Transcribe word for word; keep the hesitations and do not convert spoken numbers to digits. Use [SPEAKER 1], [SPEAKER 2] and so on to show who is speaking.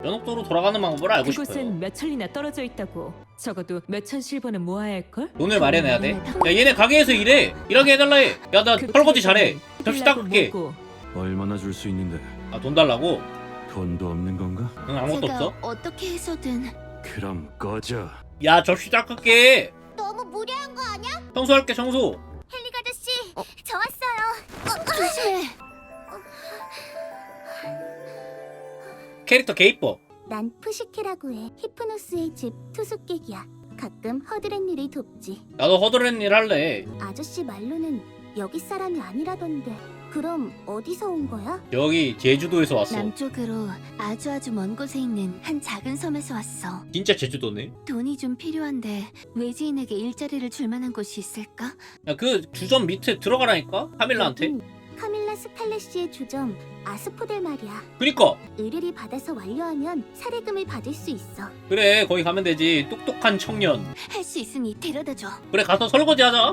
[SPEAKER 1] 연옥도로 돌아가는 방법을 알고 싶어요.
[SPEAKER 2] 그곳은 몇 천리나 떨어져 있다고. 적어도 몇 천 실버는 모아야 할걸?
[SPEAKER 1] 돈을 마련해야 돼. 야 얘네 가게에서 일해. 일하게 해달라 해. 야 나 설거지 잘해. 접시 닦을게.
[SPEAKER 3] 얼마나 줄 수 있는데?
[SPEAKER 1] 아 돈 달라고?
[SPEAKER 3] 돈도 없는 건가?
[SPEAKER 1] 응 아무것도
[SPEAKER 4] 제가
[SPEAKER 1] 없어.
[SPEAKER 4] 어떻게 해서든.
[SPEAKER 3] 그럼 꺼져.
[SPEAKER 1] 야 접시 닦을게.
[SPEAKER 4] 너무 무례한 거 아니야?
[SPEAKER 1] 청소할게 청소.
[SPEAKER 4] 헬릭 아저씨, 저 왔어요. 조심해.
[SPEAKER 1] 캐릭터 개 이뻐.
[SPEAKER 4] 난 푸시케라고 해. 히프노스의 집 투숙객이야. 가끔 허드렛 일이 돕지.
[SPEAKER 1] 나도 허드렛 일 할래.
[SPEAKER 4] 아저씨 말로는 여기 사람이 아니라던데. 그럼 어디서 온 거야?
[SPEAKER 1] 여기 제주도에서 왔어.
[SPEAKER 4] 남쪽으로 아주 아주 먼 곳에 있는 한 작은 섬에서 왔어.
[SPEAKER 1] 진짜 제주도네.
[SPEAKER 4] 돈이 좀 필요한데 외지인에게 일자리를 줄 만한 곳이 있을까?
[SPEAKER 1] 야 그 주점 밑에 들어가라니까 카밀라한테.
[SPEAKER 4] 여긴 카밀라 스칼렛시의 주점 아스포델 말이야.
[SPEAKER 1] 그니까
[SPEAKER 4] 의뢰를 받아서 완료하면 사례금을 받을 수 있어.
[SPEAKER 1] 그래 거기 가면 되지. 똑똑한 청년.
[SPEAKER 4] 할 수 있으니 데려다줘.
[SPEAKER 1] 그래 가서 설거지 하자.